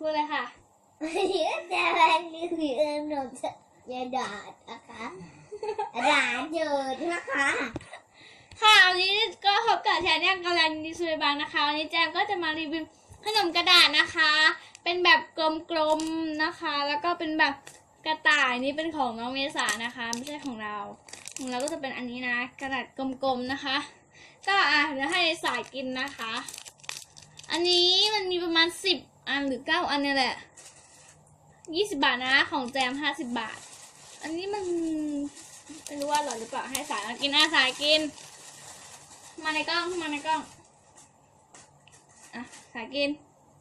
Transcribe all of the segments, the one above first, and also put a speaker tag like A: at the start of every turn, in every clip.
A: พูดเลยค่ะ
B: วันนี้จะมารีวิวขนมยาดาดนะคะร้านเยินนะคะ
A: ค่ะวันนี้ก็พบกับแชนแนลกาลันดิสุยบางนะคะวันนี้แจมก็จะมารีวิวขนมกระดาษนะคะ เป็นแบบกลมๆนะคะ แล้วก็เป็นแบบกระต่ายนี่เป็นของน้องเมษานะคะไม่ใช่ของเราก็จะเป็นอันนี้นะกระดาษกลมๆนะคะก็เดี๋ยวให้สายกินนะคะ อันนี้มันมีประมาณ10 อันหรือ9 อันเนี่ยแหละ20 บาทนะของแจม50 บาทอันนี้มันไม่รู้ว่าอร่อยหรือเปล่าให้สายมากินสายกินมาในกล้องสายกิน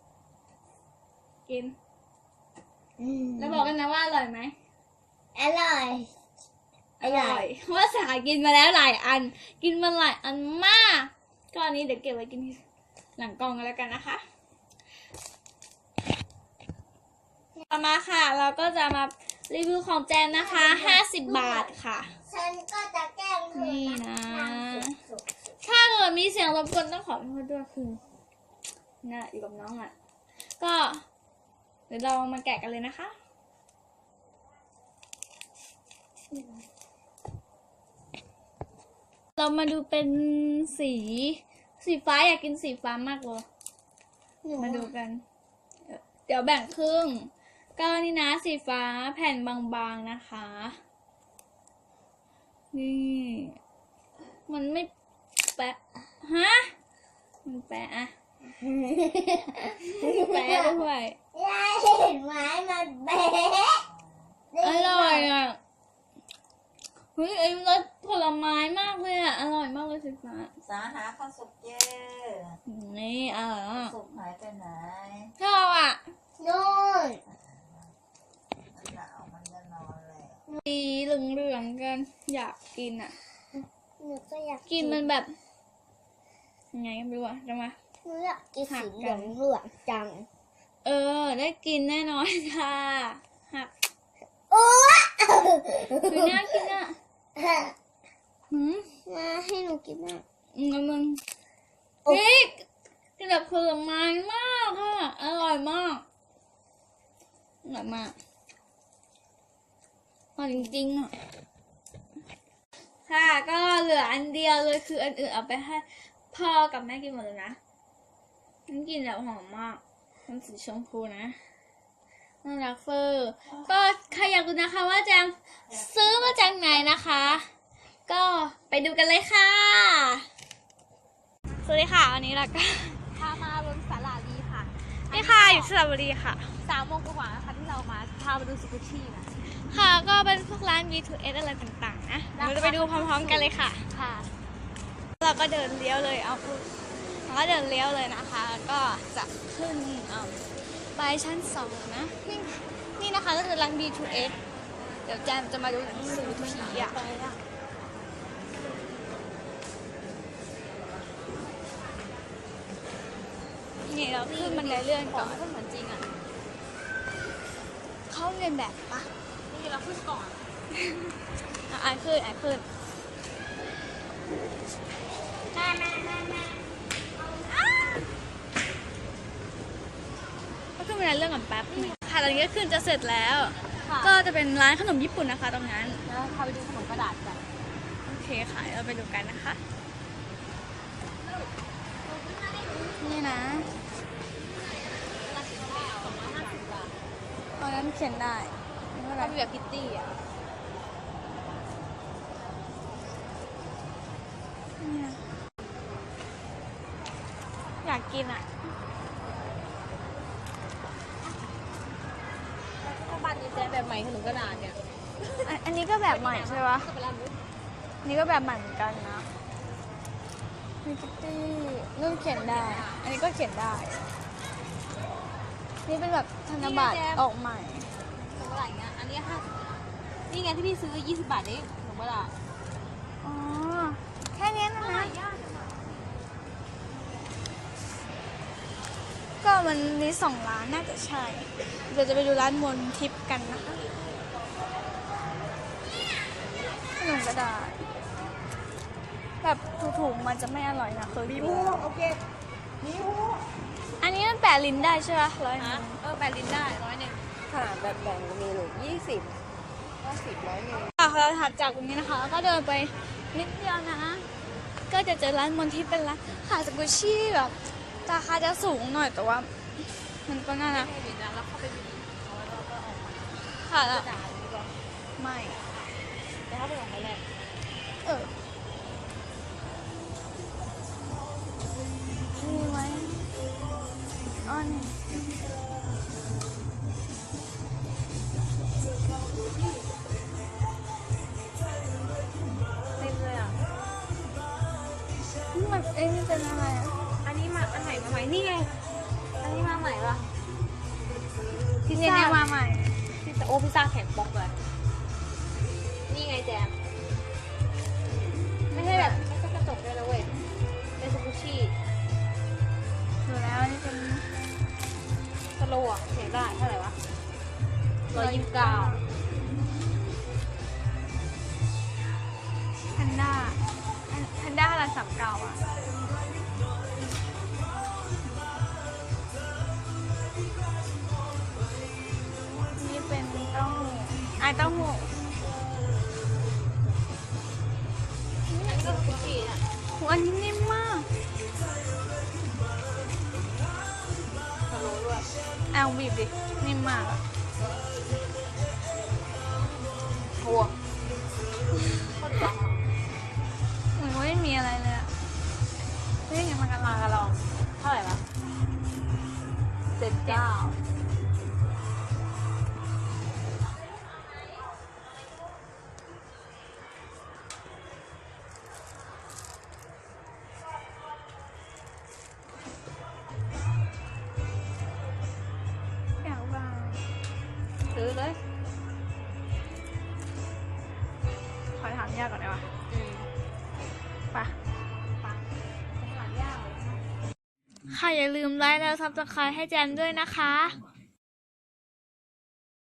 A: แล้วบอกกันนะว่าอร่อยไหม
B: อร่อย
A: ว่าสายกินมาแล้วหลายอันกินมาหลายอันมากก็อันนี้เดี๋ยวเก็บไว้กินหลังกล้องกันแล้วกันนะคะต่อมาค่ะเราก็จะมารีวิวของแจมนะคะ50 บาทค่ะ
B: ฉันก็จะแกล้งเธอ
A: นี่นะถ้าเกิดมีเสียงรบกวนต้องขอโทษด้วยคือน่ะอยู่กับน้องก็เดี๋ยวเรามาแกะกันเลยนะคะเรามาดูเป็นสีฟ้าอยากกินสีฟ้ามากเลยมาดูกันเดี๋ยวแบ่งครึ่งก็นี่นะสีฟ้าแผ่นบางๆนะคะนี่มันไม่แปะมันแปะแปะด้วย
B: ยายเห็นไหมมันแปะ
A: อร่อยเฮ้ยไอ้รสผลไม้มากเลยอร่อยมากเลยสีฟ้า
C: สาหาข้าวสุกเย่
A: นี่
C: สุกหายไปไหน
A: ชอบ
B: นู่น
C: หนาวมันจะนอนเลย
A: สีเหลืองๆกันอยากกิน
B: หนูก็อยาก
A: กินมันแบบยังไงก็ไม่รู้จะมา
B: หนูอยากกินสีเหลืองจัง
A: ได้กินแน่นอนค่ะหักคือน่ากิน
B: มาให้หนูกินนะ
A: มึงเฮ้ยกินแบบผลไม้มากค่ะอร่อยมากอร่อยมากอร่อยจริงๆค่ะก็เหลืออันเดียวเลยคืออันอื่นเอาไปให้พ่อกับแม่กินหมดเลยนะมันกินแบบหอมมากมันสีชมพูนะน่ารักเฟอร์ก็ใครอยากดูนะคะว่าแจมซื้อมาจากไหนนะคะ ก็ไปดูกันเลยค่ะสวัสดีค่ะวันนี้เราก็
D: พามาบนศาลาลีค่ะ
A: นี่ค่ะอยู่สระบุรีค่ะ
D: 3 โมงกว่านะคะที่เรามาพามาดูสกุชี่นะ
A: ค่ะก็เป็นพวกร้าน B2S อะไรต่างๆนะเราจะไปดูพร้อมๆกันเลยค่ะ
D: ค่ะ
A: เราก็เดินเลี้ยวเลยเราก็เดินเลี้ยวเลยนะคะก็จะขึ้นไปชั้น2นะนี่นะคะก็คือร้าน B2S เดี๋ยวแจมจะมาดูหนังสือผีนี่เราขึ้นบันไดเลื่อนก่อน
D: เหมือนจริง
A: เขาเรียนแบบปะ
D: นี่เราขึ้นก่อน
A: ขึ้นก็ขึ้นบันไดเลื่อนก่อนแป๊บค่ะตอนนี้ก็ขึ้นจะเสร็จแล้วก็จะเป็นร้านขนมญี่ปุ่นนะคะตรงนั้น
D: แล้วพาไปดูขนมกระดาษกัน
A: โอเคค่ะเราไปดูกันนะคะนี่นะตอนนั้นเขียนได้
D: เขามีแบบพิตตี้
A: อยากกิน
D: บ้านนี้แจแบบใหม่ขนมกระดาษเนี่ย
A: อันนี้ก็แบบใหม่ใช่ปะนี่ก็แบบใหม่เหมือนกันนะมีพิตตี้นู่นเขียนได้อันนี้ก็เขียนได้นี่เป็นแบบธนบัตรออกใหม่
D: ขนมกระดาษเงี้ยอันนี้50นี่ไงที่พี่ซื้อ20 บาทนี่ขนมกระดาษ
A: แค่นี้นะก็มันมี2 ร้านน่าจะใช่เดี๋ยวจะไปดูร้านมนทิพย์กันนะคะขนมกระดาษแบบถูกๆมันจะไม่อร่อยนะเคยกิน
C: โอเค
A: อันนี้มันแปะลิ้นได้ใช่ไหม100
D: แ 8 ลิ้นได้100ค่ะแบบแบ่งมีหรือ20 50 100
A: เราถัดจากตรงนี้นะคะแล้วก็เดินไปนิดเดียวนะ ก็จะเจอร้านมนที่เป็นร้านขายสกุชชี่แบบราคาจะสูงหน่อยแต่ว่า มันก็น่ารัก
D: ลิ้นนะแล้วเข้าไปดูแล้วก็ออกมา
A: ค่ะแล้ว
D: ด่าหรือเปล่า
A: ไม่
D: แต่ถ้าไปออกมาแรก
A: เออมีไหมอ๋อนี่
D: เต็มเลยอ่ะ
A: นี่มันนี่เป็นอะไรอ่ะ
D: อันนี้มาอันไหนมาใหม่นี่ไงอันนี้มาใหม่ปะพิ
A: นี่
D: ซซ่า
A: มาใหม่
D: พิซซ่าแข็งปอกเลยนี่ไงแจมไม่ใช่แบบไม่ใช่กระจกด้วยนะเว้ยเป็นสกูชี่
A: ดูแล้วนี่เป็น
D: สโลว์อ่ะเสียงได้เท่าไหร่วะ129
A: แพนด้าแพนด้าละ39อ่ะนี่เป็นเต้าหู้ไอเต้าหู้
D: อันนี้ก็สกูชี่อ่ะ
A: หัวอันนี้นิ่มมาก
D: สโลว์ด้วย
A: แอลบีบดินิ่มมากอะ
D: โอ้โคตรจัง
A: เหมือนว่าไม่มีอะไรเลยอะเฮ้ยยังมากระลากระลอง
D: เท่าไหร่วะ79
A: อยากบ้าง
D: ซื้อเลย
A: ขอถามยากก่อนได้ปะ
D: อืม
A: ไปะ
D: ปังหลายอย่างเลย
A: ค่ะอย่าลืมไลค์แล้วซับสไครต์ให้แจมด้วยนะคะ